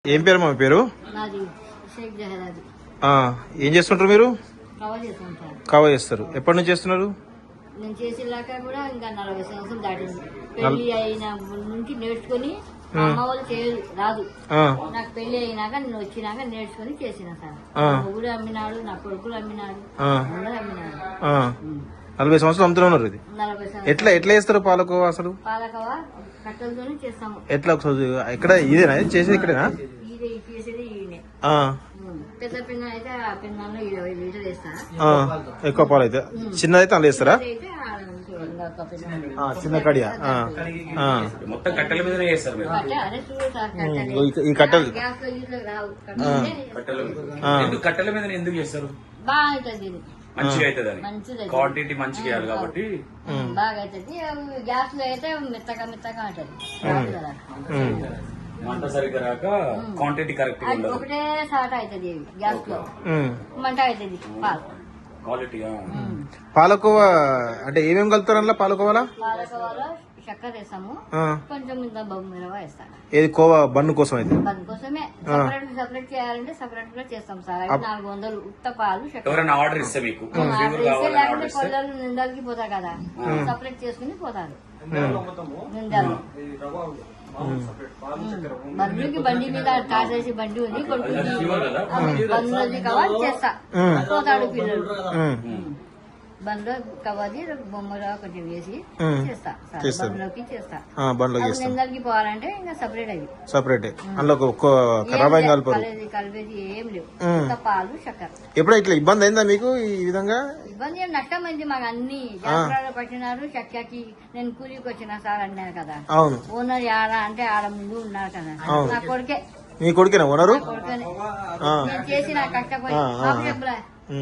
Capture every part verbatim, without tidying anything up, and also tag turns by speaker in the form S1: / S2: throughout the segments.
S1: ఏం పేరు మా పేరు? ఏం చేస్తుంటారు మీరు? కవా చేస్తారు. ఎప్పటి నుంచి చేస్తున్నారు?
S2: నేను చేసేలాక కూడా ఇంకా నలభై సంవత్సరాలు దాటింది. పెళ్లి అయిన నుంచి నేర్చుకుని అమ్మ వాళ్ళు చేయదు రాదు. నాకు పెళ్లి అయినాక నేను వచ్చినాక నేర్చుకుని చేసిన సార్. మొగుడు అమ్మినాడు, నా కొడుకులు అమ్మినాడు, అందరూ అమ్మినాడు.
S1: నలభై సంవత్సరాలు అమ్ముతూనే ఉన్నారు. ఇది
S2: నలభై
S1: ఎట్లా ఎట్లా చేస్తారు పాలకోవా? అసలు
S2: పాలకోవా కట్టెలతోనే చేస్తాము.
S1: ఎట్లా ఒకసారి ఎక్కడ ఇదేనా చేసేది? ఇక్కడేనా
S2: ఇదే చేసేది? ఈయనే పెద్ద పిన్న అయితే ఆ పిన్నలో ఇరవై లీటర్ వేస్తా.
S1: ఎక్కువ పాలు అయితే చిన్నదైతే అందులో వేస్తారా? చిన్న కడియా
S3: మొత్తం కట్టెల మీద చేస్తారు.
S1: ఈ కట్టెలు
S3: కట్టెల మీద ఎందుకు చేస్తారు?
S2: బాగుంటుంది,
S3: మంచిగా అవుతుంది, క్వాంటిటీ మంచిగా వేయాలి కాబట్టి
S2: బాగా అవుతుంది. గ్యాస్ లో అయితే మెత్తగా మెత్తగా ఉంటుంది.
S3: మంట సరిగ్గా రాక క్వాంటిటీ కరెక్ట్
S2: ఒకటే సాట అవుతుంది గ్యాస్ లో, మంట అవుతుంది. పాలు
S3: క్వాలిటీ
S1: పాలకోవా అంటే ఏమేమి కలుపుతారు అందులో? పాలకోవాలా
S2: పాలకోవాలో చక్కెర వేస్తాము, కొంచెం ఇంత బొమ్మిరవ వేస్తాను.
S1: ఏది కోవా బన్ను కోసం అయితే?
S2: బన్ను కోసమే సపరేట్ సపరేట్ చేయాలంటే సపరేట్ గా చేస్తాం సార్. అవి నాలుగు వందలు ఉత్త పాలు చక్కెర
S3: ఆర్డర్ ఇస్తే మీకు
S2: లేకుంటే కొల్లలు నిందలకి పోతారు కదా, సపరేట్ చేసుకుని పోతారు నిందలు. బండికి బండి మీద టాటేసి బండి ఉంది, కొడుకు బండ్లది కవాలి చేస్తా పోతాడు పిల్లలు. బండ్లో కవాలి బొమ్మలో కొంచెం వేసి చేస్తా, బండ్లోకి చేస్తా. నిందలకి పోవాలంటే ఇంకా సపరేట్ అవి
S1: సపరేట్
S2: కలిపేది ఏం లేవు, ఇంకా పాలు చక్కెర.
S1: ఎప్పుడు ఇట్లా ఇబ్బంది అయిందా మీకు? ఈ విధంగా
S2: ఇబ్బంది నష్టం అయింది మాకు. అన్ని జాతరాలు పట్టినారు. చక్కకి నేను కూలికి వచ్చిన సార్ అన్నారు కదా,
S1: అవును
S2: ఓనర్ ఆడ అంటే ఆడ ముందు ఉన్నారు కదా. నా కొడుకే.
S1: మీ కొడుకేనా ఓనరు?
S2: కొడుకనే నేను చేసిన కష్టపోయి చెప్పులా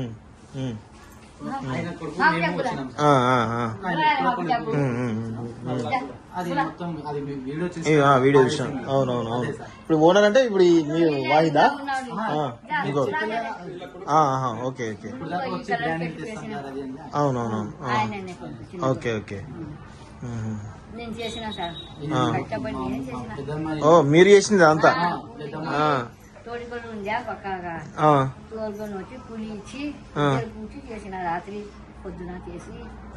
S1: వీడియో చూసాను. అవునవును అవును. ఇప్పుడు ఓనర్ అంటే ఇప్పుడు మీరు వాహిదా? ఓకే ఓకే అవునవునవును ఓకే ఓకే. ఓ మీరు చేసింది అంతా?
S2: తోడికొని ఉందా పక్కగా తోడుకొని వచ్చి పులి ఇచ్చి కూర్చి చేసిన రాత్రి పొద్దున చేసి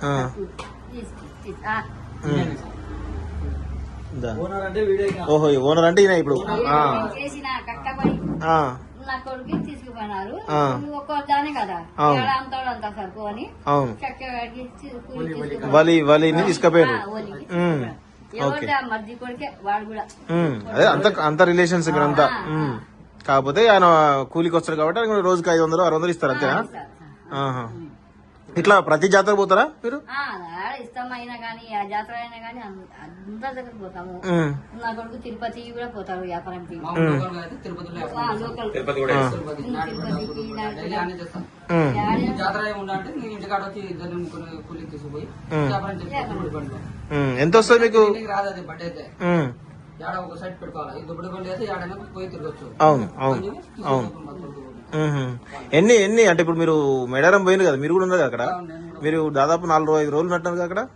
S1: ఓహో ఓనర్ అంటే ఈయన ఇప్పుడు
S2: చేసిన కట్టబడి నా కొడుకు తీసుకుపోయినారు. ఒక్కో దానే కదా అంతాడు అంతా సరుకు అని
S1: వలి వలిని తీసుకుపోయారు.
S2: మర్ది కొడుకే వాడు కూడా.
S1: అదే అంత అంత రిలేషన్స్ ఇక్కడ అంతా. కాకపోతే ఆయన కూలికి వస్తారు కాబట్టి రోజుకి ఐదు వందలు ఆరు వందలు ఇస్తారు అంతేనా? ఇట్లా ప్రతి జాతర పోతారా మీరు?
S2: ఇష్టమైనా కానీ ఆ జాతర అయినా కానీ అందరి దగ్గర పోతాము. నా కొడుకు తిరుపతికి కూడా పోతారు వ్యాపారంకి.
S1: ఎంత వస్తుంది మీకు? అవును అవును అవును. ఎన్ని ఎన్ని అంటే ఇప్పుడు మీరు మేడారం పోయింది కదా, మీరు కూడా ఉన్నారు అక్కడ. మీరు దాదాపు నాలుగు ఐదు రోజులు నట్టారు కదా అక్కడ.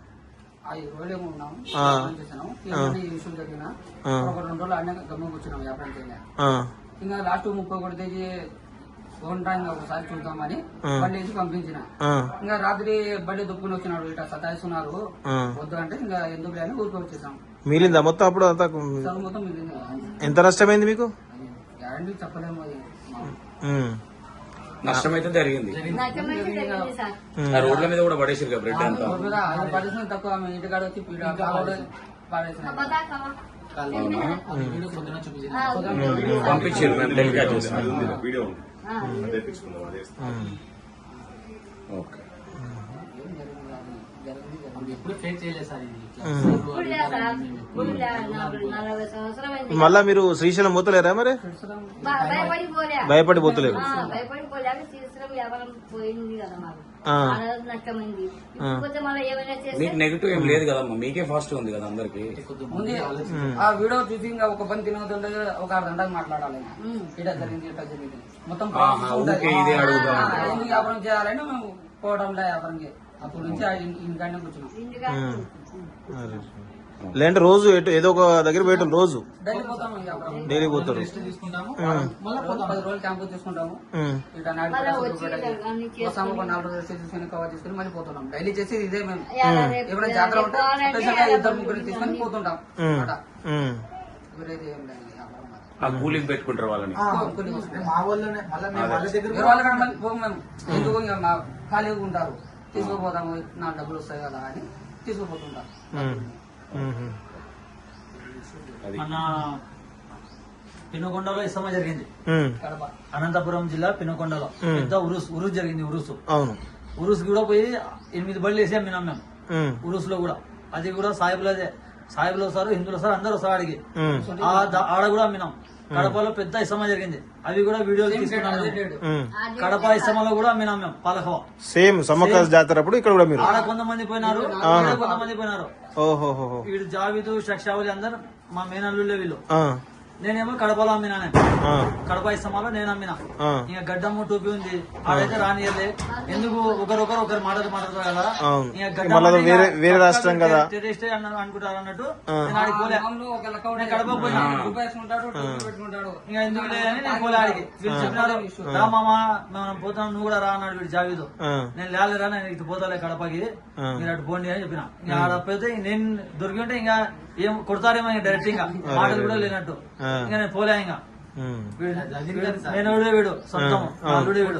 S4: ఇంకా లాస్ట్ ముప్పై ఒకటి తేదీ ఒకసారి చూద్దామని బండి వేసి పంపించిన. ఇంకా రాత్రి బండి దుప్పుకుని వచ్చినాడు, ఇట్లా సతాయిస్తున్నారు వద్దు అంటే ఇంకా ఎందుకు లేని ఊరికి వచ్చేసాం.
S1: మిగిలిందా మొత్తం అప్పుడు అంతా?
S4: మొత్తం మిగిలింది.
S1: ఎంత నష్టమైంది మీకు?
S4: గ్యారంటీ చెప్పలేము.
S3: నష్టం అయితే జరిగింది. రోడ్ల మీద కూడా పడేసారు కదా బ్రెడ్ అంతా.
S4: పడేసిన తక్కువ ఇంటికాడ వచ్చి
S3: పంపించారు. మేము టెలికాస్ట్ చేస్తాం. ఓకే.
S1: మళ్ళా మీరు శ్రీశైలం పోతలేరా మరి? భయపడి పోతలేరు.
S3: మీకు నెగిటివ్ ఏం లేదు కదమ్మా, మీకే ఫాస్ట్ ఉంది కదా అందరికి.
S4: ఆ వీడియో చూసి ఇంకా ఒక పని తినవుతుంటే ఒక అర్ధ గంటకు మాట్లాడాలి. ఇట్లా జరిగింది ఇట్లా జరిగింది మొత్తం వ్యాపారం చేయాలని మేము పోవడంలో వ్యాపారం. అప్పటి నుంచి ఇంటికాడనే కూర్చున్నాం.
S1: లేదంటే రోజు ఎటు ఏదో ఒక దగ్గర పోయేటోళ్ళు రోజు
S4: డైలీ పోతాము ఇక అప్పుడు.
S1: డైలీ పోతారు.
S4: తీసుకుంటాము
S1: ఉమ్.
S4: మళ్ళీ పోతాం పది రోజులు క్యాంపు తీసుకుంటాము
S1: ఉమ్.
S4: ఇట్లా నాటి
S2: మళ్ళీ
S4: పటాసులు
S2: వచ్చి
S4: పెట్టేసి
S2: అన్ని
S4: వస్తాము ఒక నాలుగు రోజులు రెస్ట్ తీసుకుని కవర్ చేసుకుని మళ్ళీ పోతున్నాం. డైలీ చేసేది ఇదే మేము.
S2: ఎలా రేపు
S4: ఎప్పుడైనా జాతర ఉంటే
S2: పోవాలంటే
S4: స్పెషల్ గా
S2: ఎలా
S4: ఇద్దరు ముగ్గురు తీసుకొని పోతుంటాం
S1: ఉమ్.
S4: అన్నమాట.
S1: ఉమ్.
S4: వేరేది ఏం లేదు వ్యాపారం మాది.
S3: ఆ కూలింగ్ పెట్టుకుంటారు వాళ్ళని.
S4: కొన్ని వస్తాయి.
S5: మా వాళ్ళనే మళ్ళీ మేము వాళ్ళ దగ్గర
S4: వేరే వాళ్ళ కాడ మళ్ళీ పోము మేము. ఎందుకు ఇంకా మా ఖాళీగా ఉంటారు తీసుకుపోతాము నా డబ్బులు వస్తాయి కదా అని తీసుకుపోతుంటాం.
S1: ఉమ్. ఉమ్.
S3: అది
S5: మన పినకొండలో ఇసమ జరిగింది.
S1: ఉమ్.
S4: కడప
S5: అనంతపురం జిల్లా పినకొండలో
S1: మ్.
S5: పెద్ద ఉరుస్ ఉరుస్ జరిగింది. ఉరుసు
S1: అవును.
S5: ఉరుస్ కూడా పోయి ఎనిమిది బళ్ళు వేసి అమ్మినాం మేము.
S1: ఉమ్.
S5: ఉరుస్ లో కూడా అది కూడా సాయిబులదే. సాయిబులు వస్తారు, హిందువులు వస్తారు, అందరూ వస్తారు ఆడికి.
S1: ఉమ్.
S5: ఆ ద- ఆడ కూడా అమ్మినాం. కడపలో పెద్ద ఇసమ జరిగింది. అవి కూడా వీడియోలు తీసుకున్నాం
S4: అదే
S5: మేము.
S4: రేటు.
S1: ఉమ్.
S5: కడప ఇసమలో కూడా అమ్మినాం మేము పాలకవ.
S1: సేమ్ సమ్మక్క జాతర అప్పుడు ఇక్కడ కూడా మీరు.
S5: ఆడ కొంతమంది పోయినారు,
S1: ఆహా.
S5: ఈడ కొంతమంది పోయినారు.
S1: ఓహోహో.
S5: వీడు జావిదు షక్షావలి అందరు మా మేనల్లుళ్ళే వీళ్ళు.
S1: ఆ.
S5: నేనేమో కడపలో అమ్మినా. నేను
S1: ఆ.
S5: కడప ఇస్తమాలో నేను అమ్మినా.
S1: ఆ.
S5: ఇంకా గడ్డము టోపీ ఉంది ఆడైతే రానియలే. ఎందుకు ఒకరొకరు ఒకరు మాటలు మాట్లాడతారు కదా.
S1: అవును.
S5: ఇంకా గడ్డం
S1: మళ్ళా
S5: అంటే
S1: వేరే-
S5: ఇంకా
S1: వేరే రాష్ట్రం కదా.
S5: టెర్రరిస్ట్ అన్న- అనుకుంటారు అన్నట్టు
S1: ఆ.
S5: నేను ఆడికి పోలే.
S4: మామూలు ఒక లెక్క ఉంటే
S5: నేను కడప పోయినా.
S4: రూపాయి వేసుకుంటాడు టోపీ పెట్టుకుంటాడు.
S5: ఇంకా ఎందుకు లేదని నేను పోలే ఆడికి. వీళ్ళు చెప్పినారు రా మామ మనం పోతాం నువ్వు కూడా రా అన్నాడు వీడు జావీదు.
S1: ఆ.
S5: నేను లేలేరా నేను ఇటు పోతాలే కడపకి
S1: ఆ.
S5: మీరు అటు పోండి అని చెప్పిన. ఇంకా ఆడపోతే నేను దొరికి ఉంటే ఇంకా ఏం కొడతారేమో ఇంకా డైరెక్ట్ ఇంకా మాటలు కూడా లేనట్టు.
S1: ఆ.
S5: ఇంకా నేను పోలే ఇంకా
S1: ఉమ్.
S5: నేను వీడే వీడు సొంతం
S1: ఆ.
S5: వీడే వీడు.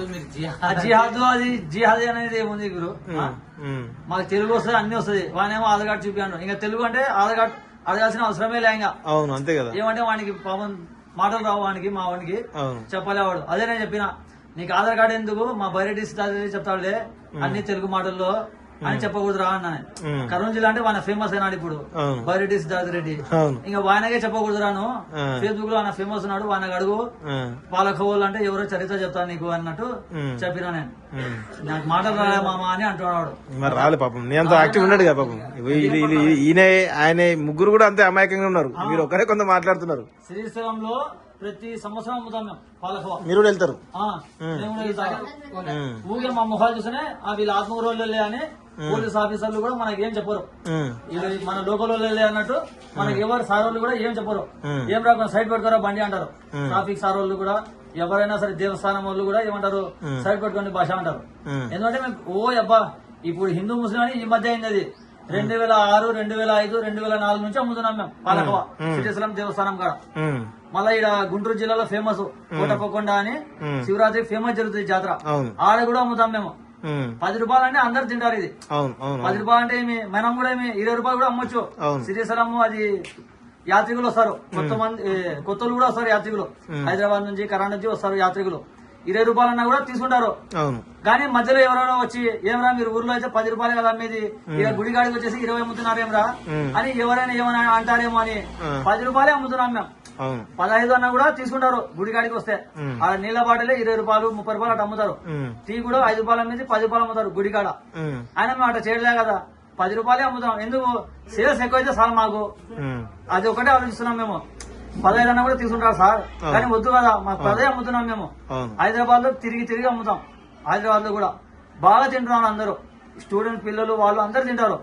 S5: ఆ జిహాద్ అది జిహాద్ అనేది ఏముంది గురు ఆ?
S1: ఉమ్.
S5: మాకు తెలుగు వస్తుంది అన్ని వస్తుంది. వానేమో ఆధార్ కార్డు చూపించాడు. ఇంకా తెలుగు అంటే ఆధార్ కార్డు అడగాల్సిన అవసరమే లే. ఇంకా
S1: అవును అంతే కదా.
S5: ఏమంటే వానికి పాపం మాటలు రావు వానికి మా వానికి
S1: అవును.
S5: చెప్పలేవాడు. అదే నేను చెప్పిన నీకు ఆధార్ కార్డు ఎందుకు మా బయట చెప్తాడులే అన్ని తెలుగు మాటల్లో అని చెప్పకూడదు రా అన్నా.
S1: ఉమ్.
S5: కర్నూలు జిల్లా అంటే వాన ఫేమస్ అయినాడు ఇప్పుడు
S1: అవును.
S5: బైరెడ్డి సిద్ధార్థ రెడ్డి.
S1: అవును.
S5: ఇంకా వానకే చెప్పకూడదు రాను.
S1: ఆ.
S5: ఫేస్బుక్ లో ఆయన ఫేమస్ ఉన్నాడు వానకు అడుగు
S1: ఆ.
S5: పాలకోవాలు అంటే ఎవరో చరిత్ర చెప్తాను నీకు అన్నట్టు
S1: ఉమ్.
S5: చెప్పినా నేను.
S1: ఉమ్.
S5: నాకు మాటలు రాలే మామ అని అంటున్నాడు.
S1: మరి రాలే పాపం. నీ అంత యాక్టివ్ ఉన్నాడు కదా పాపం. ఇవి- ఇది- ఇది- ఇది- ఈయన ఆయన ముగ్గురు కూడా అంతే అమాయకంగా ఉన్నారు. మీరు ఒకరే కొంత మాట్లాడుతున్నారు.
S5: శ్రీశైలంలో ప్రతి సంవత్సరం అమ్ముతాం మేము పాలకోవ.
S1: మీరు కూడా వెళ్తారు.
S5: ఆ, మేము కూడా వెళ్తాం.
S1: ఉమ్.
S5: ఊగే మా ముఖాలు చూస్తేనే ఆ వీళ్ళ ఆత్మూరు వాళ్ళే అని పోలీస్ ఆఫీసర్లు కూడా మనకి ఏం చెప్పరు.
S1: ఉమ్.
S5: వీళ్ళు మన లోకల్ వాళ్ళే అన్నట్టు మనకి ఎవరు సార్ వాళ్ళు కూడా ఏం చెప్పరు.
S1: ఉమ్.
S5: ఏం రాకుండా సైడ్ పెట్టుకోరా బండి అంటారు.
S1: ఉమ్.
S5: ట్రాఫిక్ సార్ వాళ్ళు కూడా ఎవరైనా సరే దేవస్థానం వాళ్ళు కూడా ఏమంటారు
S1: ఉమ్.
S5: సైడ్ పెట్టుకోండి భాష అంటారు.
S1: ఉమ్.
S5: ఎందుకంటే మేము ఓ అబ్బా ఇప్పుడు హిందూ ముస్లిం అని ఈ మధ్య అయింది. అది రెండు వేల ఆరు రెండు వేల ఐదు రెండు వేల నాలుగు నుంచి అమ్ముతున్నాం మేము పాలకవ శ్రీశైలం దేవస్థానం కాడ.
S1: ఉమ్.
S5: మళ్ళా ఇక్కడ గుంటూరు జిల్లాలో ఫేమస్ కోటప్పకొండ అని
S1: ఉమ్.
S5: శివరాత్రి ఫేమస్ జరుగుతుంది జాతర.
S1: అవును.
S5: ఆడ కూడా అమ్ముతాం మేము.
S1: ఉమ్.
S5: పది రూపాయలు అంటే అందరు తింటారు ఇది.
S1: అవును. అవును.
S5: పది రూపాయలు అంటే ఏమి మనం కూడా ఏమి ఇరవై రూపాయలు కూడా అమ్మొచ్చు.
S1: అవును.
S5: శ్రీశైలం అది యాత్రికులు వస్తారు. కొత్త మంది ఏ, కొత్తలు కూడా వస్తారు యాత్రికులు. హైదరాబాద్ నుంచి కర్ణాటక నుంచి వస్తారు యాత్రికులు. ఇరవై రూపాయలన్నా కూడా తీసుకుంటారు.
S1: అవును.
S5: కానీ మధ్యలో ఎవరైనా వచ్చి ఏమరా మీరు ఊర్లో అయితే పది రూపాయలు కదా అమ్మేది ఇక గుడిగాడికి వచ్చేసి ఇరవై అమ్ముతున్నారేమరా
S1: ఉమ్.
S5: అని ఎవరైనా ఏమైనా అంటారేమో అని
S1: ఆ.
S5: పది రూపాయలే అమ్ముతున్నాం మేము.
S1: అవును.
S5: పదహైదు అన్నా కూడా తీసుకుంటారు గుడిగాడికి వస్తే.
S1: ఉమ్.
S5: ఆ నీళ్ళ బాటలే ఇరవై రూపాయలు ముప్పై రూపాయలు అటు అమ్ముతారు.
S1: ఉమ్.
S5: టీ కూడా ఐదు రూపాయల మీద పది రూపాయలు అమ్ముతారు గుడికాడ.
S1: ఉమ్.
S5: ఆయన మేము అట్లా చేయలే కదా పది రూపాయలే అమ్ముతాం. ఎందుకు సేల్స్ ఎక్కువైతే సార్ మాకు
S1: ఉమ్.
S5: అది ఒకటే ఆలోచిస్తున్నాం మేము. పదహైదు అన్నా కూడా తీసుకుంటారు సార్ కానీ వద్దు కదా మాకు పదే అమ్ముతున్నాం మేము.
S1: అవును.
S5: హైదరాబాద్ లో తిరిగి తిరిగి అమ్ముతాం. హైదరాబాద్ లో కూడా బాగా తింటున్నారు అందరూ. స్టూడెంట్ పిల్లలు వాళ్ళు అందరు తింటారు.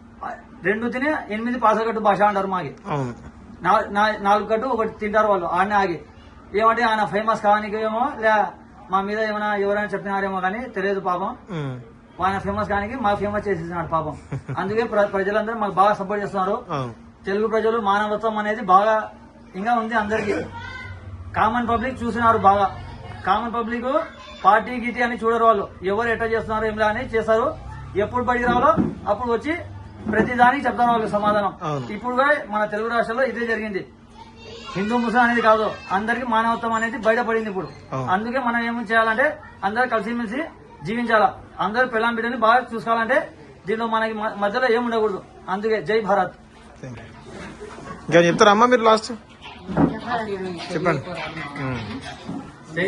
S5: రెండు తిని ఎనిమిది పాసగట్టు భాష అంటారు మాకి.
S1: అవును.
S5: నా- నా- నాలుగు కట్టు ఒకటి తింటారు వాళ్ళు ఆడనే ఆగి. ఏమంటే ఆయన ఫేమస్ కానికి ఏమో లే మా మీద ఏమైనా ఎవరైనా చెప్పినారేమో కానీ తెలియదు పాపం.
S1: ఉమ్.
S5: ఆయన ఫేమస్ కానికి మాకు ఫేమస్ చేసేసినాడు పాపం. అందుకే ప్ర- ప్రజలందరూ మాకు బాగా సపోర్ట్ చేస్తున్నారు.
S1: అవును.
S5: తెలుగు ప్రజలు మానవత్వం అనేది బాగా ఇంకా ఉంది అందరికి. కామన్ పబ్లిక్ చూసినారు బాగా. కామన్ పబ్లిక్ పార్టీ గీటీ అని చూడరు. వాళ్ళు ఎవరు ఎట్లా చేస్తున్నారు ఏమిలా అని చేస్తారు. ఎప్పుడు బడికి రావాలో అప్పుడు వచ్చి ప్రతి దానికి చెప్తారు వాళ్ళు సమాధానం.
S1: అవును.
S5: ఇప్పుడు కూడా మన తెలుగు రాష్ట్రాల్లో ఇదే జరిగింది. హిందూ ముస్లిం అనేది కాదు అందరికి మానవత్వం అనేది బయటపడింది ఇప్పుడు.
S1: అవును.
S5: అందుకే మనం ఏం చేయాలంటే అందరు కలిసిమెలిసి జీవించాలా. అందరు పిల్లం బిడ్డని బాగా చూసుకోవాలంటే దీనిలో మనకి మ- మధ్యలో ఏమి ఉండకూడదు. అందుకే జై భారత్.
S1: ఇంకా చెప్తారా అమ్మా మీరు లాస్ట్
S2: చెప్పాలి.
S1: చెప్పండి. ఉమ్.